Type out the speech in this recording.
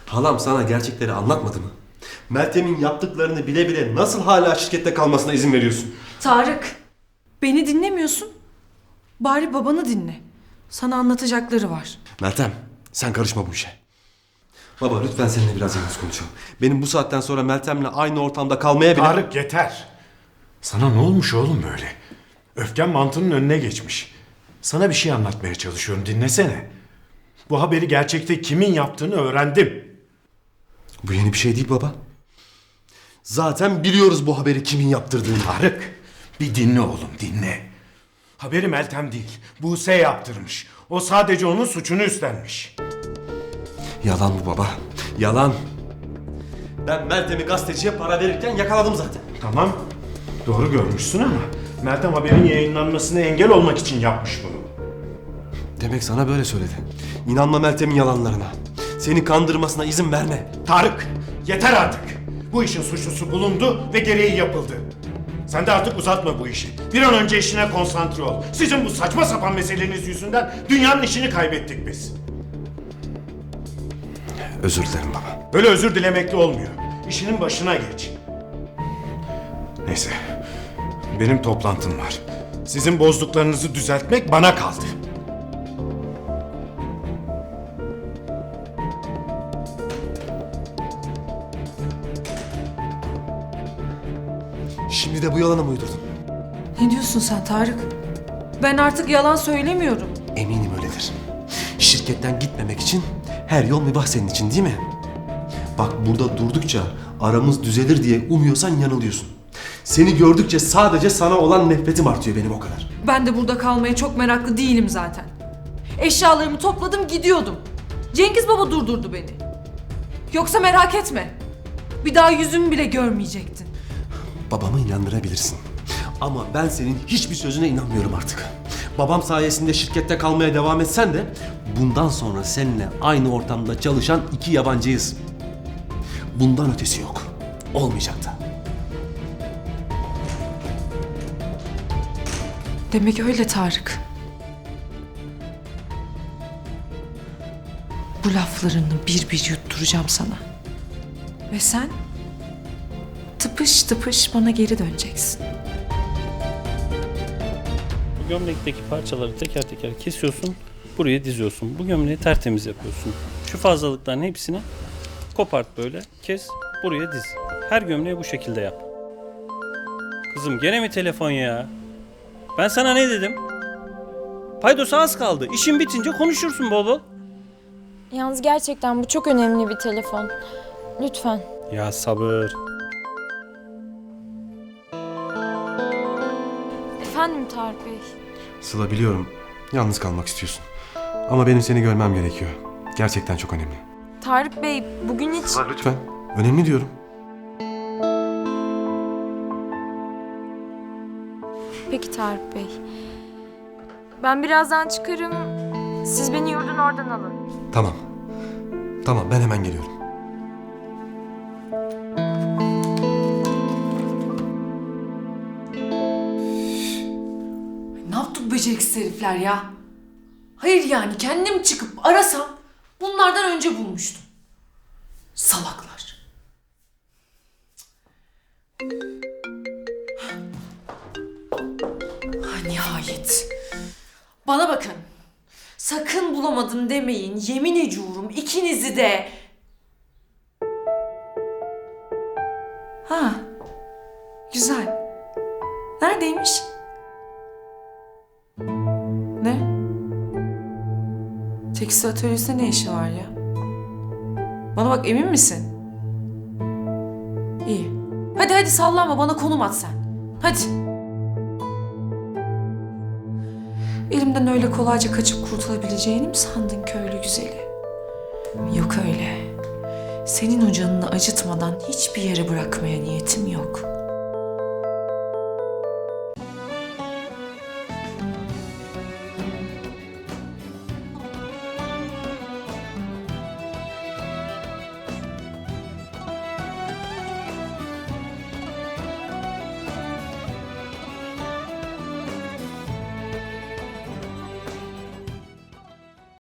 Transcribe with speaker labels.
Speaker 1: Halam sana gerçekleri anlatmadı mı? Meltem'in yaptıklarını bile bile nasıl hala şirkette kalmasına izin veriyorsun?
Speaker 2: Tarık, beni dinlemiyorsun. Bari babanı dinle. Sana anlatacakları var.
Speaker 1: Meltem, sen karışma bu işe. Baba lütfen seninle biraz yalnız konuşalım. Benim bu saatten sonra Meltem'le aynı ortamda kalmaya bile...
Speaker 3: Tarık yeter. Sana ne olmuş oğlum böyle? Öfken mantının önüne geçmiş. Sana bir şey anlatmaya çalışıyorum, dinlesene. Bu haberi gerçekte kimin yaptığını öğrendim.
Speaker 1: Bu yeni bir şey değil baba. Zaten biliyoruz bu haberi kimin yaptırdığını.
Speaker 3: Tarık, bir dinle oğlum, dinle. Haberi Meltem değil, Buse yaptırmış. O sadece onun suçunu üstlenmiş.
Speaker 1: Yalan bu baba. Yalan. Ben Meltem'i gazeteciye para verirken yakaladım zaten.
Speaker 3: Tamam, doğru görmüşsün ama Meltem haberin yayınlanmasına engel olmak için yapmış bunu.
Speaker 1: Demek sana böyle söyledi. İnanma Meltem'in yalanlarına. Seni kandırmasına izin verme.
Speaker 3: Tarık, yeter artık. Bu işin suçlusu bulundu ve gereği yapıldı. Sen de artık uzatma bu işi. Bir an önce işine konsantre ol. Sizin bu saçma sapan meseleniz yüzünden dünyanın işini kaybettik biz.
Speaker 1: Özür dilerim baba.
Speaker 3: Böyle özür dilemekle olmuyor. İşinin başına geç. Neyse, benim toplantım var. Sizin bozduklarınızı düzeltmek bana kaldı.
Speaker 1: Şimdi de bu yalanı mı uydurdun?
Speaker 2: Ne diyorsun sen Tarık? Ben artık yalan söylemiyorum.
Speaker 1: Eminim öyledir. Şirketten gitmemek için her yol mübah senin için değil mi? Bak burada durdukça aramız düzelir diye umuyorsan yanılıyorsun. Seni gördükçe sadece sana olan nefretim artıyor benim o kadar.
Speaker 2: Ben de burada kalmaya çok meraklı değilim zaten. Eşyalarımı topladım gidiyordum. Cengiz Baba durdurdu beni. Yoksa merak etme. Bir daha yüzümü bile görmeyecektin.
Speaker 1: Babamı inandırabilirsin. Ama ben senin hiçbir sözüne inanmıyorum artık. Babam sayesinde şirkette kalmaya devam etsen de bundan sonra seninle aynı ortamda çalışan iki yabancıyız. Bundan ötesi yok. Olmayacak da.
Speaker 2: Demek öyle Tarık. Bu laflarını bir bir yutturacağım sana. Ve sen tıpış tıpış bana geri döneceksin.
Speaker 4: Bu gömlekteki parçaları teker teker kesiyorsun, buraya diziyorsun. Bu gömleği tertemiz yapıyorsun. Şu fazlalıkların hepsini kopart böyle, kes, buraya diz. Her gömleği bu şekilde yap. Kızım gene mi telefon ya? Ben sana ne dedim? Paydosa az kaldı. İşin bitince konuşursun bol bol.
Speaker 5: Yalnız gerçekten bu çok önemli bir telefon. Lütfen.
Speaker 4: Ya sabır.
Speaker 5: Efendim Tarık Bey.
Speaker 1: Sıla biliyorum. Yalnız kalmak istiyorsun. Ama benim seni görmem gerekiyor. Gerçekten çok önemli.
Speaker 5: Tarık Bey bugün hiç...
Speaker 1: Sıla lütfen. Önemli diyorum.
Speaker 5: Peki Tarık Bey. Ben birazdan çıkarım. Siz beni yurdun oradan alın.
Speaker 1: Tamam. Tamam ben hemen geliyorum.
Speaker 2: Ne yaptı bu beceriksiz herifler ya? Hayır yani kendim çıkıp arasam bunlardan önce bulmuştum. Salaklar. Ha, nihayet. Bana bakın. Sakın bulamadım demeyin. Yemin ediyorum ikinizi de. Ha. Güzel. Neredeymiş? Ne? Tekstil atölyesinde ne işi var ya? Bana bak emin misin? İyi. Hadi hadi sallanma bana konum at sen. Hadi. Elimden öyle kolayca kaçıp kurtulabileceğini mi sandın köylü güzeli? Yok öyle. Senin o canını acıtmadan hiçbir yere bırakmaya niyetim yok.